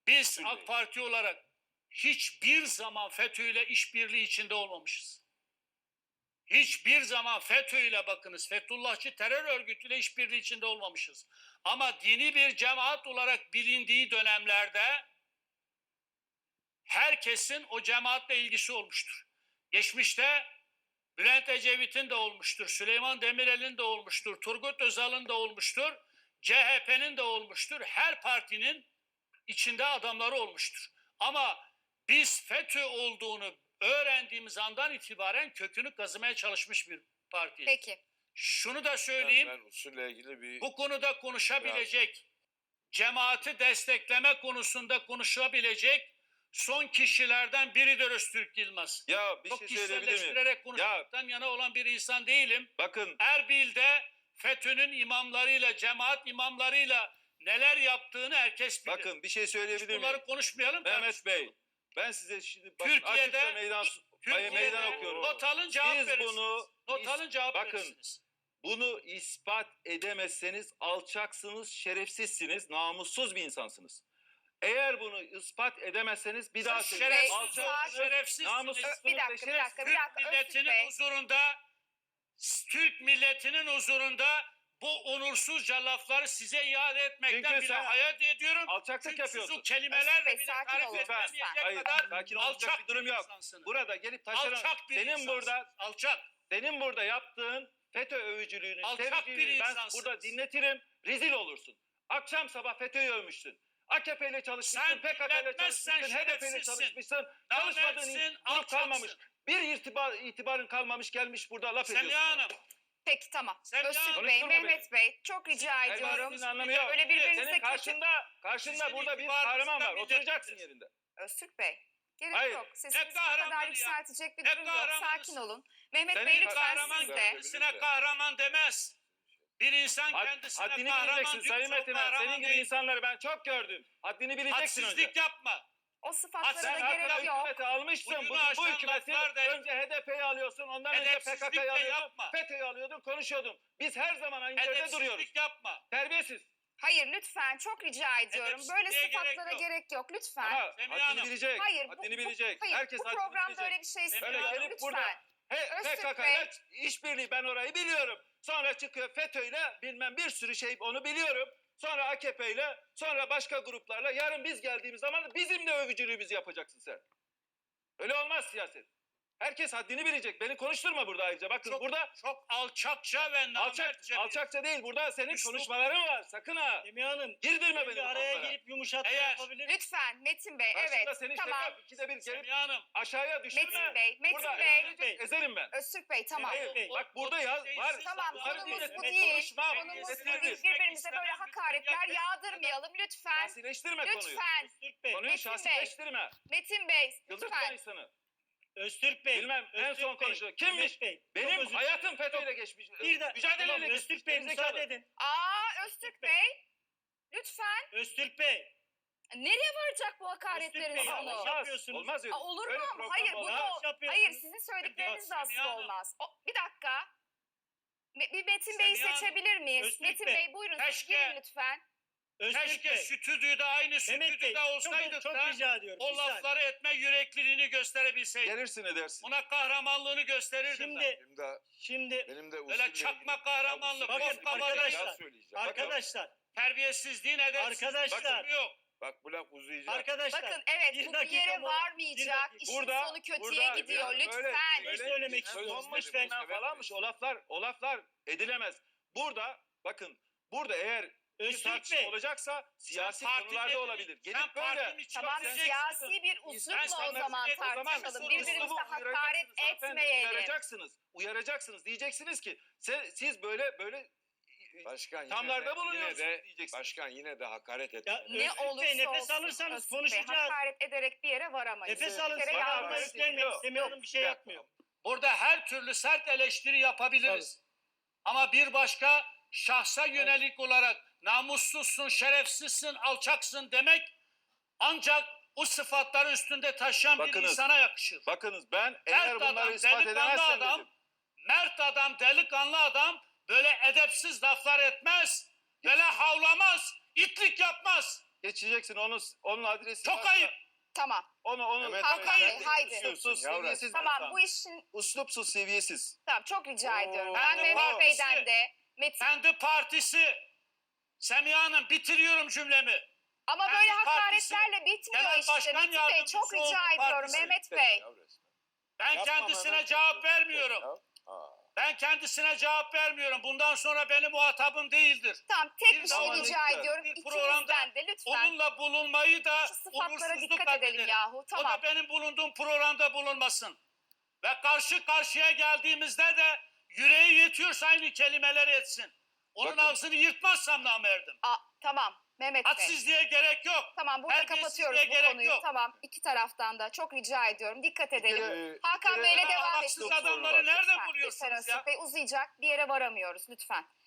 Biz AK Parti olarak hiçbir zaman FETÖ ile işbirliği içinde olmamışız. Hiçbir zaman FETÖ ile bakınız, Fethullahçı terör örgütüyle işbirliği içinde olmamışız. Ama dini bir cemaat olarak bilindiği dönemlerde herkesin o cemaatle ilgisi olmuştur. Geçmişte Bülent Ecevit'in de olmuştur, Süleyman Demirel'in de olmuştur, Turgut Özal'ın da olmuştur, CHP'nin de olmuştur. Her partinin içinde adamları olmuştur. Ama biz FETÖ olduğunu öğrendiğimiz andan itibaren kökünü kazımaya çalışmış bir partiyiz. Peki. Şunu da söyleyeyim, Ben usulle ilgili bir... bu konuda konuşabilecek, cemaati destekleme konusunda konuşabilecek son kişilerden biridir Öztürk Yılmaz. Ya bir Çok şey söyleyebilir miyim? kişiselleştirerek konuşmaktan yana olan bir insan değilim. Bakın Erbil'de FETÖ'nün imamlarıyla, cemaat imamlarıyla neler yaptığını herkes bilir. bakın bir şey söyleyebilir miyim? Bunları konuşmayalım. Mehmet Bey, ben size şimdi bakın Türkiye'de, açıkça meydan okuyorum. not alın cevap Siz verirsiniz. bunu Not alın cevap bakın, verirsiniz. bunu ispat edemezseniz alçaksınız, şerefsizsiniz, namussuz bir insansınız. Eğer bunu ispat edemezseniz bir daha Şerefsiz, Alçak- şerefsizsiniz. Bir dakika. Türk Öztürk milletinin Bey. huzurunda, Türk milletinin huzurunda bu onursuzca lafları size iade etmekten Çünkü bile sen hayat ediyorum. alçaklık Çünkü yapıyorsun. siz o kelimelerle Bey, bile sakin tarif olun. edilemeyecek Hayır, kadar sakin olacak alçak bir durum yok. insansınız. Burada gelip taşeron, Alçak bir senin insansınız. burada Alçak. senin burada yaptığın FETÖ övücülüğünü, Alçak bir seviciliğini ben insansınız. burada dinletirim, rezil olursun. Akşam sabah FETÖ'yü övmüşsün. AKP ile çalışmışsın, Sen PKK ile dinletmezsen çalışmışsın, HDP ile şerefsizsin. çalışmışsın. Çalışmadığın Namertsin, grup alçaksın. kalmamış. Bir itibarın kalmamış, gelmiş burada laf ediyorsun. Semiha Hanım. Peki tamam. Sen Öztürk ya- Bey, Konuşturma Mehmet Bey çok rica ediyorum. Elbasının anlamı yok. Öyle birbirinize Senin kötü... karşında Sizin burada bir itibarınızdan kahraman var. millet Oturacaksın bilir. yerinde. Öztürk Bey. Gerek Hayır. yok. Sesinizi Hep bu kadar kahraman ya. yükseltecek bir Hep durum yok. kahramanız. Sakin olun. Mehmet Senin Bey lütfen Kahraman siz de. kendisine kahraman demez. Bir insan kendisine Haddini kahraman bileceksin diyorsa Sayın o Metin Han. kahraman Senin gibi değil. insanları ben çok gördüm. Haddini bileceksin önce. Hadsizlik yapma. O sıfatlara Sen da Sen gerek hatta yok. hükümeti almışsın. Bugünü Bugün bu aşan hükümeti laflar da- önce HDP'yi alıyorsun. Ondan önce Edepsizlik PKK'yı de alıyordun. yapma. FETÖ'yü alıyordun. Konuşuyordun. Biz her zaman aynı yerde duruyoruz. Edepsizlik yapma. Terbiyesiz. Hayır lütfen çok rica ediyorum. Edepsizliğe Böyle gerek sıfatlara yok. gerek yok lütfen. Ama Semiha haddini Hanım. bilecek. Hayır, Haddini bilecek. hayır, Herkes bu haddini programda bilecek. öyle bir şey Öyle Öyle istemiyorum. gelip Lütfen. burada Öztürk PKK Bey. ile işbirliği ben orayı biliyorum. Sonra çıkıyor FETÖ ile bilmem bir sürü şey onu biliyorum. Sonra AKP ile sonra başka gruplarla yarın biz geldiğimiz zaman bizim de övücülüğümüzü yapacaksın sen. Öyle olmaz siyaset. Herkes haddini bilecek. Beni konuşturma burada ayrıca. Bakın burada Çok alçakça ve namertçe. alçakça değil. Burada senin Üslup- konuşmaların var. Sakın ha. Semiha Hanım, Girdirme bir beni bu araya konulara. girip yumuşatma Eğer- yapabilir. Lütfen Metin Bey. Karşında Evet. seni Tamam. işte ikide bir gelip Semiha Hanım. aşağıya düşürme. Metin Bey, Metin Burada Bey. ezilecek, ezerim ben. Öztürk Bey tamam. Hayır, Bey. bak burada yaz var. Tamam Bunları konumuz dinle. bu Evet, değil. konuşmam. Konumuz bu Getiririz. değil. Birbirimize böyle hakaretler yağdırmayalım lütfen. Şahsileştirme konuyu. Lütfen. Öztürk Bey, Konuyu Metin şahsileştirme. Metin Bey Yıldırtma lütfen. insanı. Öztürk Bey. Bilmem en Öztürk son Bey, konuşuyor. Kimmiş? Mehmet Bey, çok Benim özür hayatım dilerim. FETÖ'yle geçmiş. Bir de Mücadeleyle tamam, geçmiş. Öztürk Bey Gerizekalı. müsaade edin. Öztürk Bey. Lütfen. Öztürk Bey. Nereye varacak bu Öztürk hakaretlerin Bey, sonu? olmaz. Olmaz. yapıyorsunuz. Olmaz öyle. Olur Öyle mu? program Hayır bu olmaz. da yapıyorsunuz. hayır sizin söyledikleriniz de Semiha asla Hanım. olmaz. Bir dakika. Bir Metin Bey'i Semiha Hanım. seçebilir miyiz? Öztürk Metin Bey. Bey buyurun siz Keşke- girin lütfen. Öztürk Keşke Bey. stüdyoda aynı Mehmet Bey, stüdyoda olsaydık çok da rica ediyorum. o Bir saniye. lafları etme yürekliliğini gösterebilseydik. Gelirsin edersin. Buna kahramanlığını gösterirdim ben. Şimdi Benim de Öyle çakma kahramanlık, Bakın boz kabalayış, arkadaşlar, arkadaşlar, terbiyesizliğin, edepsizliğin Arkadaşlar. lüzumu yok. Bak bu laf uzayacak. arkadaşlar. Bakın evet bir bu bir dakika yere mola, varmayacak. bir dakika. İşin Burada- sonu kötüye burada gidiyor yani lütfen. Ne söylemek istiyorsunuz? Lütfen. Lütfen. Falanmış o laflar edilemez. Burada bakın burada eğer bir Öztürk tartışma Bey. olacaksa siyasi Sen konularda partinin- olabilir. sen Gelip böyle partinin içine Tamam gireceksin. siyasi bir Ben uslupla o sana zaman o zaman tartışalım. Birbirimize hakaret etmeyelim. Uyaracaksınız. Diyeceksiniz ki siz böyle Başkan tamlarda bulunuyorsunuz yine de diyeceksiniz. başkan yine de hakaret etti. Ya, Ne Öztürk olursa Bey, nefes olsun, alırsanız Öztürk Bey, konuşacağız. hakaret ederek bir yere varamayız. Nefes Bir alın. kere Sonra yanlış. almayı yanlış. üstlenmeyin. Yok, Semiha Hanım bir şey yok. yapmıyor. Burada her türlü sert eleştiri yapabiliriz. Ama bir başka şahsa yönelik olarak namussuzsun, şerefsizsin, alçaksın demek ancak o sıfatları üstünde taşıyan bir Bakınız, insana yakışır. Bakınız ben eğer Mert bunları adam, ispat delikanlı edemezsem adam, dedim. mert adam, delikanlı adam böyle edepsiz laflar etmez, böyle havlamaz, itlik yapmaz. Geçeceksin onun adresi. Çok varsa ayıp. Tamam. Onu Mehmet Hakan Bey, haydi. Uslupsuz, Yavrum. seviyesiz. bir Tamam insan. bu işin Uslupsuz, seviyesiz. tamam çok rica ediyorum. Ben Kendi Mehmet partisi. Bey'den de Metin Kendi partisi. Semiha Hanım bitiriyorum cümlemi. ama kendi böyle partisi, hakaretlerle bitmiyor genel işte başkan Metin Bey. yardımcısı Çok rica oldu ediyorum partisi. Mehmet Bey. Ben Yapma kendisine Mehmet. cevap vermiyorum. Ben kendisine cevap vermiyorum. Bundan sonra benim muhatabım değildir. Tamam tek Bir bir şey zaman rica lütfen, ediyorum. bir programda İkinizden de lütfen Onunla bulunmayı da şu sıfatlara onursuzluk dikkat edelim addederim. yahu. O Tamam. da benim bulunduğum programda bulunmasın. Ve karşı karşıya geldiğimizde de yüreği yetiyorsa aynı kelimeleri etsin. Onun Bakın. ağzını yırtmazsam namerdim. Tamam Mehmet Bey. Hadsizliğe gerek yok. Tamam burada Terbiyesizliğe kapatıyoruz bu gerek konuyu. yok. Tamam iki taraftan da çok rica ediyorum. Dikkat edelim. Hakan kere Bey'le bana devam Ahlaksız edin. adamları nerede Lütfen buluyorsunuz Öztürk ya? Bey uzayacak bir yere varamıyoruz lütfen.